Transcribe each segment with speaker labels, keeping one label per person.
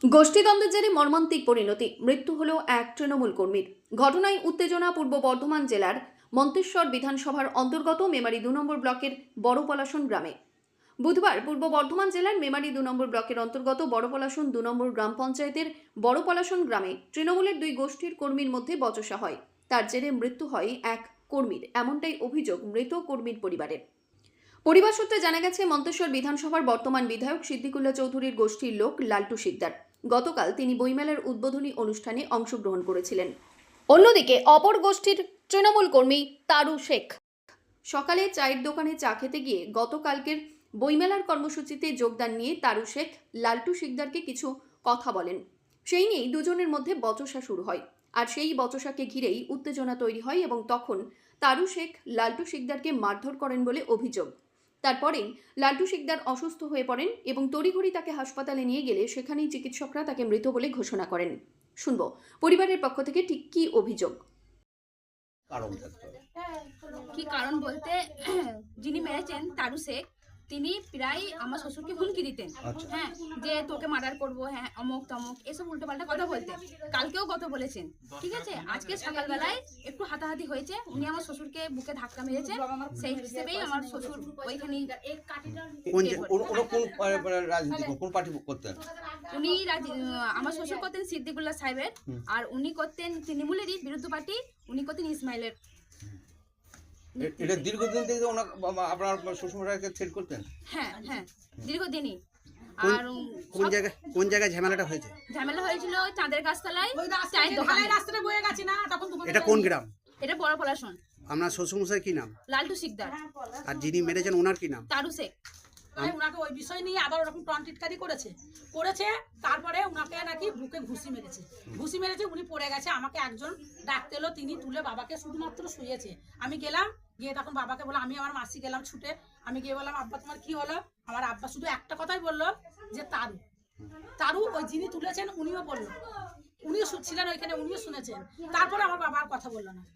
Speaker 1: গোষ্ঠীদ্বন্দ্বের জেরে মর্মান্তিক পরিণতি, মৃত্যু হল এক তৃণমূল কর্মীর। ঘটনায় উত্তেজনা পূর্ব বর্ধমান জেলার মন্তেশ্বর বিধানসভার অন্তর্গত মেমারি 2 নম্বর ব্লকের বড়পলাশন গ্রামে। বুধবার পূর্ব বর্ধমান জেলার মেমারি 2 নম্বর ব্লকের অন্তর্গত বড়পলাশন 2 নম্বর গ্রাম পঞ্চায়েতের বড়পলাশন গ্রামে তৃণমূলের দুই গোষ্ঠীর কর্মীর মধ্যে বচসা হয়। তার জেরে মৃত্যু হয় এক কর্মীর, এমনটাই অভিযোগ মৃত কর্মীর পরিবারের। পরিবার সূত্রে জানা গেছে, মন্তেশ্বর বিধানসভার বর্তমান বিধায়ক সিদ্দিকুল্লাহ চৌধুরীর গোষ্ঠীর লোক লালটু শিকদার। গতকাল তিনি বইমেলার উদ্বোধনী অনুষ্ঠানে অংশগ্রহণ করেছিলেন। অন্যদিকে অপর গোষ্ঠীর তৃণমূল কর্মী তারু শেখ সকালে চায়ের দোকানে চা খেতে গিয়ে গতকালকের বইমেলার কর্মসূচিতে যোগদান নিয়ে তারু শেখ লালটু শিকদারকে কিছু কথা বলেন। সেই নিয়েই দুজনের মধ্যে বচসা শুরু হয়, আর সেই বচসাকে ঘিরেই উত্তেজনা তৈরি হয় এবং তখন তারু শেখ লালটু শিকদারকে মারধর করেন বলে অভিযোগ। তারপরেই লালটু শিকদার অসুস্থ হয়ে পড়েন এবং তড়িঘড়ি তাকে হাসপাতালে নিয়ে গেলে সেখানেই চিকিৎসকরা তাকে মৃত বলে ঘোষণা করেন। শুনব পরিবারের পক্ষ থেকে ঠিক কী অভিযোগ।
Speaker 2: কি কারণ বলতে, যিনি মেরেছেন তারু শেখ, তিনি প্রায় আমার শ্বশুরকে হুমকি দিতেন। হ্যাঁ, যে তোকে মার্ডার করবো, হ্যাঁ অমুক তমুক, এসব উল্টোপাল্টা কথা বলতেন। কালকেও কথা বলেছেন, ঠিক আছে। আজকে সকালবেলায় একটু হাতাহাতি হয়েছে, উনি আমার শ্বশুরকে বুকে ধাক্কা মেরেছে। সেই হিসেবেই আমার শ্বশুর ওইখানে উনি আমার শ্বশুর করতেন সিদ্দিকুল্লাহ সাহেবের, আর উনি করতেন তৃণমূলেরই বিরুদ্ধ পার্টি, উনি করতেন ইসমাইলের।
Speaker 3: এটা দীর্ঘদিন থেকে আপনার শ্বশুরমশাইকে থ্রেট করতেন?
Speaker 2: হ্যাঁ হ্যাঁ, দীর্ঘদিনই।
Speaker 4: আর কোন জায়গায় ঝামেলাটা হয়েছে?
Speaker 2: ঝামেলা হয়েছিল চাঁদের গাছতলায়, চায়ের দোকানে। রাস্তাটা বয়ে গেছে না তখন।
Speaker 4: এটা কোন গ্রাম?
Speaker 2: এটা বড়পলাশন।
Speaker 4: আপনার শ্বশুরমশাই কি নাম?
Speaker 2: লালটু শিকদার।
Speaker 4: আর যিনি মেরেছেন ওনার কি নাম?
Speaker 2: তারু শেখ।
Speaker 5: উনাকে ওই বিষয় নিয়ে আবার ওরকম টনটিটকারি করেছে। তারপরে উনাকে নাকি বুকে ঘুষি মেরেছে, উনি পড়ে গেছে। আমাকে একজন ডাকতে এলো, তিনি তুলে বাবাকে শুধুমাত্র শুয়েছে। আমি গেলাম, গিয়ে তখন বাবাকে বললাম, আমি আমার মাসি গেলাম ছুটে, আমি গিয়ে বললাম, আব্বা তোমার কি হলো? আমার আব্বা শুধু একটা কথাই বললো, যে তারু ওই যিনি তুলেছেন উনিও বললো, উনিও ছিলেন ওইখানে, উনিও শুনেছেন। তারপরে আমার বাবার কথা বললো না।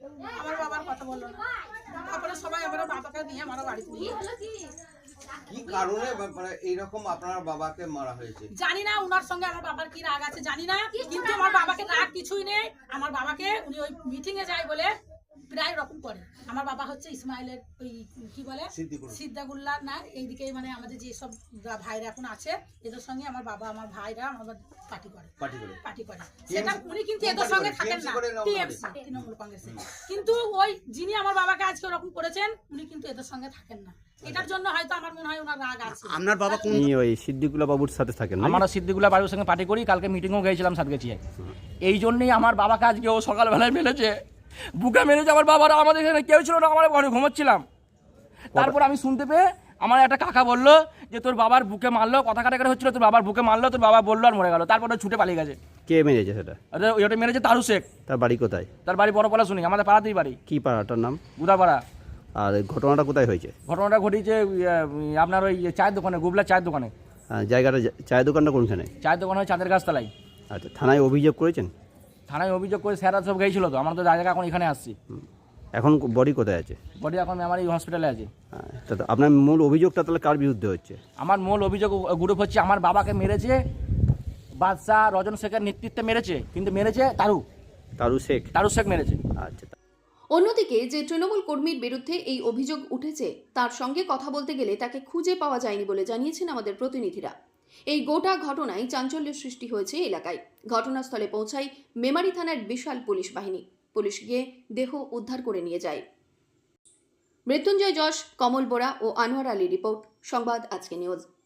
Speaker 5: তারপরে সবাই আমরা বাবাকে নিয়ে আমার বাড়িতে নিয়ে।
Speaker 3: কি কারণে মানে এইরকম আপনার বাবাকে মারা হয়েছে
Speaker 5: জানি না, উনার সঙ্গে আমার বাবার কি রাগ আছে জানি না, কিন্তু আমার বাবাকে রাগ কিছুই নেই। আমার বাবাকে উনি ওই মিটিং এ যায় বলে প্রায় রকম করে। আমার বাবা হচ্ছে ইসমাইলের ওই কি বলে সিদ্দিকুল্লাহ না, এইদিকে মানে আমাদের যে সব ভাইরা এখন আছে, এদের সঙ্গে আমার বাবা আমার ভাইরা আমার পার্টি করে। সেটা উনি কিন্তু এদের সঙ্গে থাকেন না, টিএমসি তৃণমূল কংগ্রেসে। কিন্তু ওই যিনি আমার বাবাকে আজকে ওরকম করেছেন, উনি কিন্তু এদের সঙ্গে থাকেন না। এটার জন্য হয়তো আমার মনে হয় ওনার রাগ আছে।
Speaker 4: আপনার বাবা কোন ওই সিদ্দিকুল্লাহ বাবুর সাথে থাকেন?
Speaker 6: আমরা সিদ্দিকুল্লাহ বাবুর সঙ্গে পার্টি করি। কালকে মিটিংও গিয়েছিলাম সাতগাছিয়ায়। এই জন্যই আমার বাবাকে আজকে ও সকালবেলায় মেরেছে, বুকে মেরেছে। আমার বাবারা আমাদের এখানে কেউ ছিল না, আমার ঘরে ঘুমোচ্ছিলাম। তারপর আমি শুনতে পেয়ে আমার একটা কাকা বললো যে তোর বাবার বুকে মারলো, কথা কাটাকাটি হচ্ছিল, তোর বাবার বুকে মারলো, তোর বাবা বললো আর মরে গেল। তারপরে ছুটে পালিয়ে গেছে।
Speaker 4: কে মেরেছে সেটা?
Speaker 6: ওটা মেরেছে তারু শেখ।
Speaker 4: তার বাড়ি কোথায়?
Speaker 6: তার বাড়ি বড়পলাশন, আমাদের পাড়াতেই বাড়ি।
Speaker 4: কি পাড়াটার নাম?
Speaker 6: গুদাপাড়া।
Speaker 4: আর ঘটনাটা কোথায় হয়েছে?
Speaker 6: ঘটনাটা ঘটেছে আপনার ওই চায়ের দোকানে, গুবলার চায়ের দোকানে।
Speaker 4: জায়গাটা, চায়ের দোকানটা কোনখানে?
Speaker 6: চায়ের দোকান হয় চাঁদের গাছতলায়।
Speaker 4: আচ্ছা, থানায় অভিযোগ করেছেন?
Speaker 6: থানায় অভিযোগ করে স্যাররা সব গিয়েছিল, তো আমরা তো জায়গা এখন এখানে আসছি।
Speaker 4: এখন বডি কোথায় আছে?
Speaker 6: বডি এখন আমার এই হসপিটালে আছে।
Speaker 4: আপনার মূল অভিযোগটা তাহলে কার বিরুদ্ধে হচ্ছে?
Speaker 6: আমার মূল অভিযোগ গ্রুপ হচ্ছে আমার বাবাকে মেরেছে বাদশাহ রজন শেখের নেতৃত্বে মেরেছে, কিন্তু মেরেছে তারু শেখ মেরেছে।
Speaker 4: আচ্ছা।
Speaker 1: অন্যদিকে যে তৃণমূল কর্মীর বিরুদ্ধে এই অভিযোগ উঠেছে, তার সঙ্গে কথা বলতে গেলে তাকে খুঁজে পাওয়া যায়নি বলে জানিয়েছেন আমাদের প্রতিনিধিরা। এই গোটা ঘটনায় চাঞ্চল্যের সৃষ্টি হয়েছে এলাকায়। ঘটনাস্থলে পৌঁছায় মেমারি থানার বিশাল পুলিশ বাহিনী। পুলিশ গিয়ে দেহ উদ্ধার করে নিয়ে যায়। মৃত্যুঞ্জয় যশ, কমল বোরা ও আনোয়ার আলী রিপোর্ট, সংবাদ আজকে নিউজ।